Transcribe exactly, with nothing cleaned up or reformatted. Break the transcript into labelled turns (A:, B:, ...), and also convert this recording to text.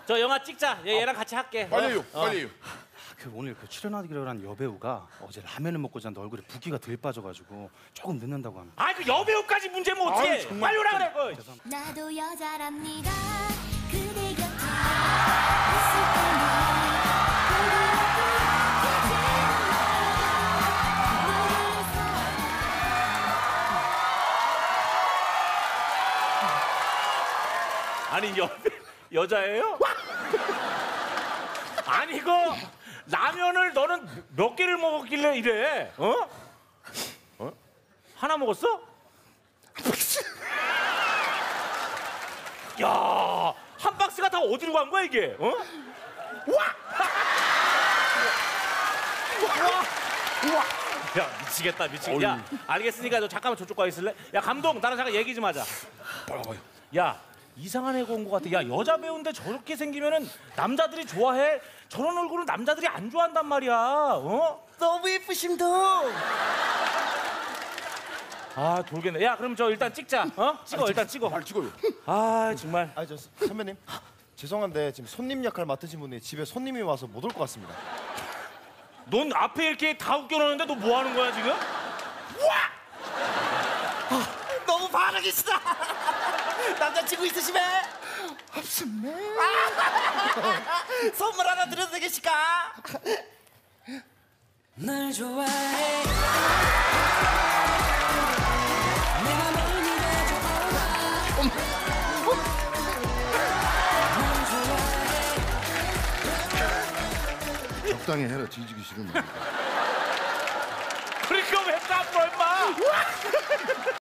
A: 저 영화 찍자. 얘, 얘랑 같이 할게.
B: 빨리요,
A: 어.
B: 빨리요.
C: 그 오늘 그 출연하기로 한 여배우가 어제 라면을 먹고 잤는데 얼굴에 붓기가 덜 빠져가지고 조금 늦는다고 합니다.
A: 아이 그 여배우까지 문제면 어떡해.
B: 아유, 정말.
A: 빨리 오라 그래. 그.
D: 나도 여자랍니다. 그대 곁에
A: 아니 여 여자예요? 아니 이거 라면을 너는 몇 개를 먹었길래 이래? 어? 어? 하나 먹었어? 야, 한 박스가 다 어디로 간 거야 이게? 어? 와! 와! 야 미치겠다 미치겠다. 야 알겠으니까 너 잠깐만 저쪽 가 있을래? 야 감독 나랑 잠깐 얘기 좀 하자. 야 이상한 애가 온 것 같아. 야 여자 배우인데 저렇게 생기면은 남자들이 좋아해? 저런 얼굴은 남자들이 안 좋아한단 말이야. 어?
E: 너무 예쁘심도.
A: 아 돌겠네. 야 그럼 저 일단 찍자. 어? 찍어 일단 찍어.
B: 발 찍어요.
A: 아 정말.
E: 아 저 선배님 죄송한데 지금 손님 역할 맡으신 분이 집에 손님이 와서 못 올 것 같습니다.
A: 넌 앞에 이렇게 다 웃겨놓는데 너 뭐 하는 거야 지금?
E: 너무 반응이시다. 남자친구 있으시면
B: 없습니다.
E: 선물 하나 드려도 되겠습니까?
F: 널 좋아해 내가 널
B: 적당히 해라. 뒤지기 싫으면.
A: 그러니까 왜 까불어 임마?